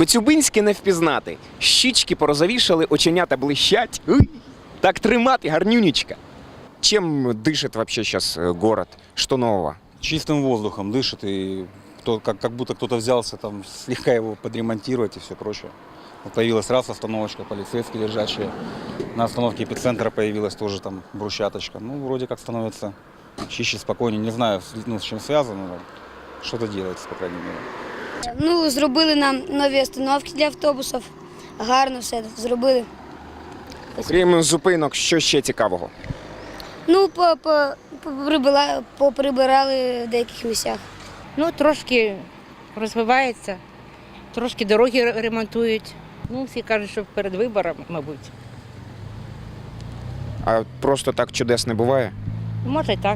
Коцюбинське не впізнати. Щічки порозовішали, оченята блищать. Уй! Так тримати, гарнюнечка. Чем дышит вообще сейчас город? Что нового? Чистым воздухом дышит, и как будто кто-то взялся там слегка его подремонтировать и все прочее. Вот появилась раз остановочка, полицейские лежачие. На остановке эпицентра появилась тоже там брусчаточка. Ну, вроде как становится чище, спокойнее. Не знаю, с чем связано, но что-то делается, по крайней мере. Ну, зробили нам нові остановки для автобусів. Гарно все зробили. Окрім зупинок, що ще цікавого? Ну, поприбирали в деяких місцях. Ну, трошки розвивається, трошки дороги ремонтують. Ну, всі кажуть, що перед виборами, мабуть. А просто так чудес не буває? Може, і так.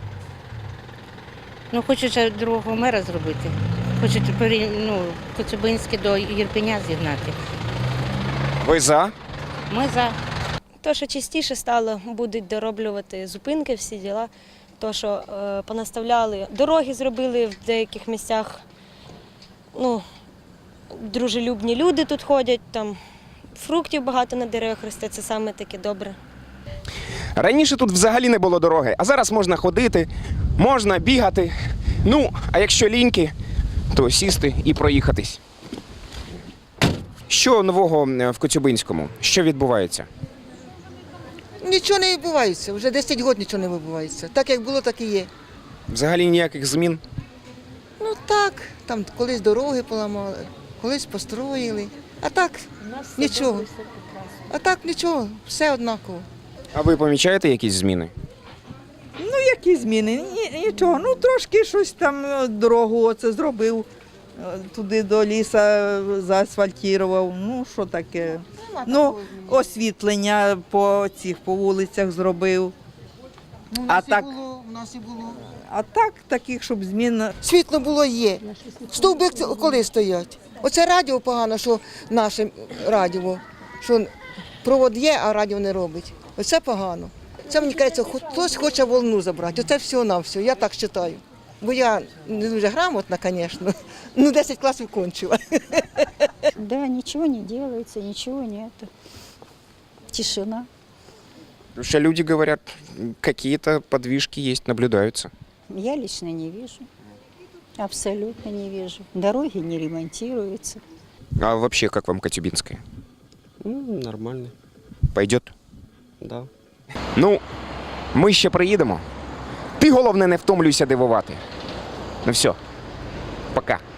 Ну, хочуть ще другого мера зробити. Хочуть Коцюбинське до Єрпеня зігнати. Ви за? Ми за. То, що частіше стало, будуть дороблювати зупинки, всі діла. То, що понаставляли, дороги зробили в деяких місцях. Ну, дружелюбні люди тут ходять, там фруктів багато на деревах росте, це саме таке добре. Раніше тут взагалі не було дороги, а зараз можна ходити, можна бігати. Ну, а якщо ліньки, то сісти і проїхатись. Що нового в Коцюбинському? Що відбувається? Нічого не відбувається, вже 10 років нічого не відбувається. Так як було, так і є. Взагалі ніяких змін? Ну так, там колись дороги поламали, колись построїли. А так нічого. А так нічого, все однаково. А ви помічаєте якісь зміни? Ну, які зміни? Нічого. Ну, трошки щось там, дорогу оце зробив, туди до ліса заасфальтував. Ну, що таке? Ну, освітлення по вулицях зробив. Ну, А так, у нас і було. а так, таких, щоб змін. Світло було є. Стовби коли стоять. Оце радіо погано, що наше радіо, що провод є, а радіо не робить. Оце погано. Це, мені кажеться, хтось хоче волну забрати. Оце все-навсього, я так вважаю. Бо я не дуже грамотна, звісно, ну 10 класів кончила. Да, ничего не делается, ничего нет. Тишина. Потому что люди говорят, какие-то подвижки есть, наблюдаются. Я лично не вижу. Абсолютно не вижу. Дороги не ремонтируются. А вообще, как вам Коцюбинское? Нормально, Пойдет? да. Ну, ми ще приїдемо. Ти, головне, не втомлюйся дивувати. Ну все, пока.